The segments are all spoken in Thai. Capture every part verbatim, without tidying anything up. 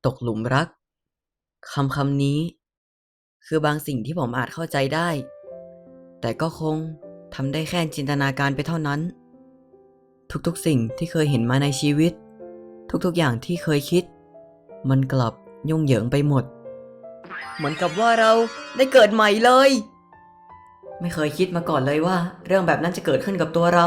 ตกหลุมรักคำคำนี้คือบางสิ่งที่ผมอาจเข้าใจได้แต่ก็คงทำได้แค่จินตนาการไปเท่านั้นทุกๆสิ่งที่เคยเห็นมาในชีวิตทุกๆอย่างที่เคยคิดมันกลับยุ่งเหยิงไปหมดเหมือนกับว่าเราได้เกิดใหม่เลยไม่เคยคิดมาก่อนเลยว่าเรื่องแบบนั้นจะเกิดขึ้นกับตัวเรา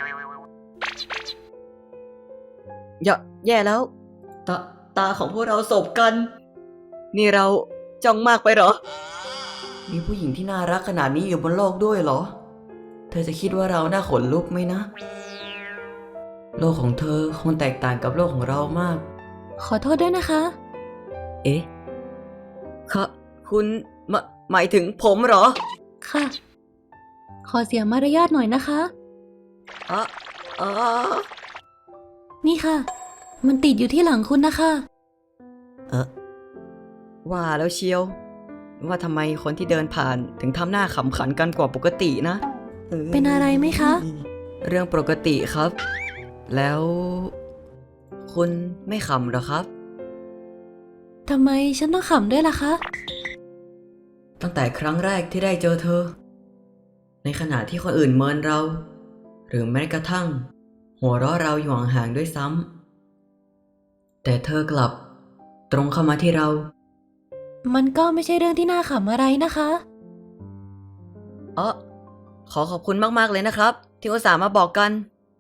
อย่าแย่แล้วตาตาของพวกเราสบกันนี่เราจ้องมากไปเหรอมีผู้หญิงที่น่ารักขนาดนี้อยู่บนโลกด้วยเหรอเธอจะคิดว่าเราน่าขนลุกไหมนะโลกของเธอคงแตกต่างกับโลกของเรามากขอโทษด้วยนะคะเอ๊ะคะคุณหมหมายถึงผมเหรอค่ะขอเสียมารยาทหน่อยนะคะอะอะนี่ค่ะมันติดอยู่ที่หลังคุณนะคะเออว่าแล้วเชียวว่าทำไมคนที่เดินผ่านถึงทำหน้าขำขันกันกว่าปกตินะเป็นอะไรไหมคะเรื่องปกติครับ แล้วคุณไม่ขำหรอครับทำไมฉันต้องขำด้วยล่ะคะตั้งแต่ครั้งแรกที่ได้เจอเธอในขณะที่คนอื่นเมินเราหรือแม้กระทั่งหัวเราะเราอยู่ห่างๆด้วยซ้ำแต่เธอกลับตรงเข้ามาที่เรามันก็ไม่ใช่เรื่องที่น่าขำอะไรนะคะอ๋อขอขอบคุณมากๆเลยนะครับที่อุตส่าห์มาบอกกัน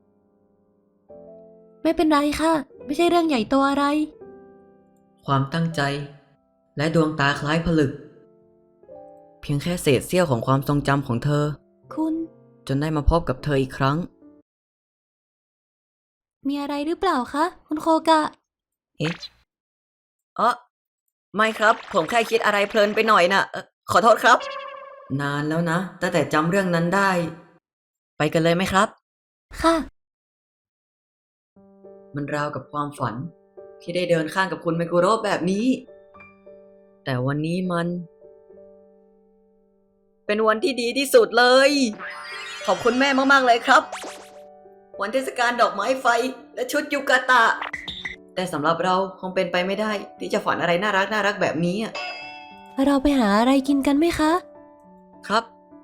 ไม่เป็นไรค่ะไม่ใช่เรื่องใหญ่โตอะไรความตั้งใจและดวงตาคล้ายผลึกเพียงแค่เศษเสี้ยวของความทรงจำของเธอคุณจนได้มาพบกับเธออีกครั้งมีอะไรหรือเปล่าคะคุณโคกะเอ๊ะอ๋อไม่ครับผมแค่คิดอะไรเพลินไปหน่อยนะเอ่อขอโทษครับนานแล้วนะตั้งแต่จำเรื่องนั้นได้ไปกันเลยไหมครับค่ะมันราวกับความฝันที่ได้เดินข้างกับคุณไมกุโระแบบนี้แต่วันนี้มันเป็นวันที่ดีที่สุดเลยขอบคุณแม่มากๆเลยครับวันเทศกาลดอกไม้ไฟและชุดยูกาตะแต่สำหรับเราคงเป็นไปไม่ได้ที่จะฝันอะไรน่ารักน่ารักแบบนี้อ่ะเราไปหาอะไรกินกันไหมคะครับ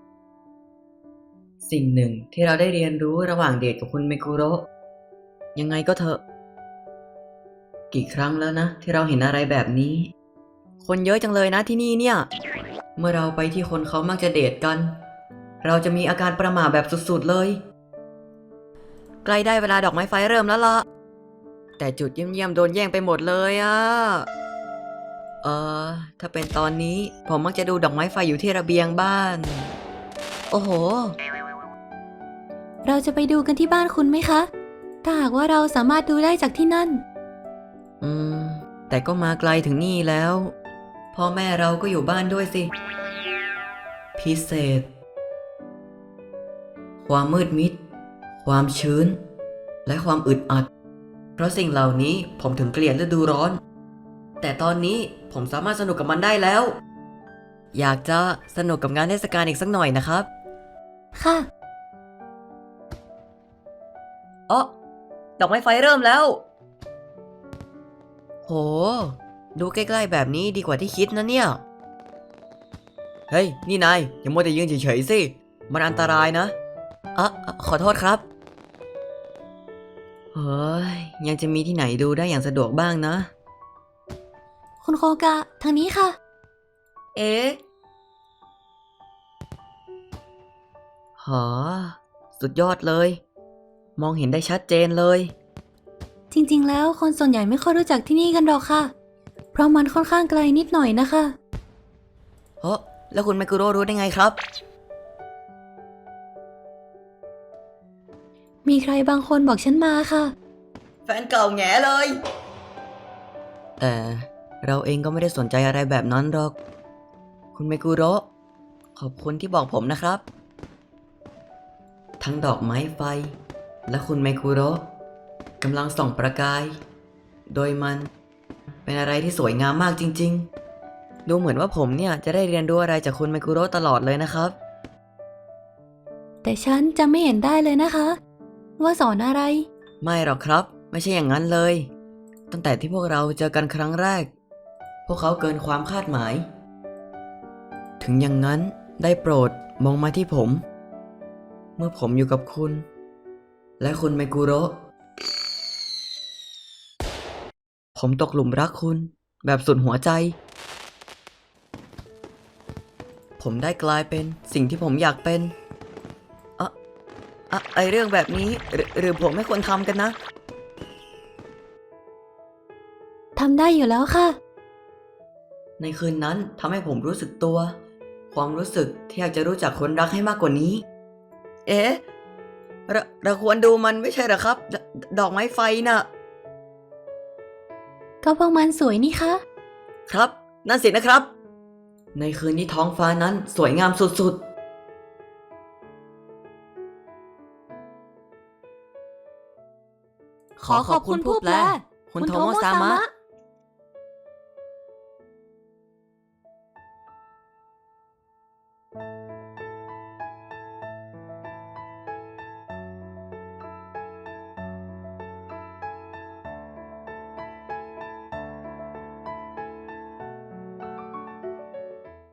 สิ่งหนึ่งที่เราได้เรียนรู้ระหว่างเดทกับคุณไมกุโระยังไงก็เถอะกี่ครั้งแล้วนะที่เราเห็นอะไรแบบนี้คนเยอะจังเลยนะที่นี่เนี่ยเมื่อเราไปที่คนเขามักจะเดทกันเราจะมีอาการประหม่าแบบสุดๆเลยใกล้ได้เวลาดอกไม้ไฟเริ่มแล้วล่ะแต่จุดเยี่ยมๆโดนแย่งไปหมดเลยอะเออถ้าเป็นตอนนี้ผมมักจะดูดอกไม้ไฟอยู่ที่ระเบียงบ้านโอ้โหเราจะไปดูกันที่บ้านคุณไหมคะถ้าหากว่าเราสามารถดูได้จากที่นั่นอืมแต่ก็มาไกลถึงนี่แล้วพ่อแม่เราก็อยู่บ้านด้วยสิพิเศษความมืดมิดความชื้นและความอึดอัดเพราะสิ่งเหล่านี้ผมถึงเกลียดฤดูร้อนแต่ตอนนี้ผมสามารถสนุกกับมันได้แล้วอยากจะสนุกกับงานเทศกาลอีกสักหน่อยนะครับค่ะอ๋อดอกไม้ไฟเริ่มแล้วโหดูใกล้ๆแบบนี้ดีกว่าที่คิดนะเนี่ยเฮ้ยนี่นายอย่ามัวแต่ยืนเฉยๆสิมันอันตรายนะอ่ะขอโทษครับเฮ้ยยังจะมีที่ไหนดูได้อย่างสะดวกบ้างนะคุณโคกะทางนี้ค่ะเอ๊ะหอสุดยอดเลยมองเห็นได้ชัดเจนเลยจริงๆแล้วคนส่วนใหญ่ไม่ค่อยรู้จักที่นี่กันหรอกค่ะเพราะมันค่อนข้างไกลนิดหน่อยนะคะเฮ้แล้วคุณไมกุโร่รู้ได้ไงครับมีใครบางคนบอกฉันมาค่ะแฟนเก่าแง่เลยแต่เราเองก็ไม่ได้สนใจอะไรแบบนั้นหรอกคุณไมกุโระขอบคุณที่บอกผมนะครับทั้งดอกไม้ไฟและคุณไมกุโระกำลังส่องประกายโดยมันเป็นอะไรที่สวยงามมากจริงๆดูเหมือนว่าผมเนี่ยจะได้เรียนรู้อะไรจากคุณไมกุโระตลอดเลยนะครับแต่ฉันจะไม่เห็นได้เลยนะคะว่าสอนอะไรไม่หรอกครับไม่ใช่อย่างนั้นเลยตั้งแต่ที่พวกเราเจอกันครั้งแรก พวกเขาเกินความคาดหมาย ถึงอย่างนั้นได้โปรดมองมาที่ผม เมื่อผมอยู่กับคุณ และคุณไมกุโระ ผมตกหลุมรักคุณแบบสุดหัวใจ ผมได้กลายเป็นสิ่งที่ผมอยากเป็นอะอะไอเรื่องแบบนี้หรือหรือผมไม่ควรทำกันนะทำได้อยู่แล้วค่ะในคืนนั้นทำให้ผมรู้สึกตัว ความรู้สึกที่อยากจะรู้จักคนรักให้มากกว่านี้ เอ๊ะเราเราควรดูมันไม่ใช่เหรอครับดดอกไม้ไฟน่ะก็พวกมันสวยนี่คะครับ นั่นสินะครับ ในคืนที่ท้องฟ้านั้นสวยงามสุดๆขอขอบคุณผู้แปลคุณโทโมซามะ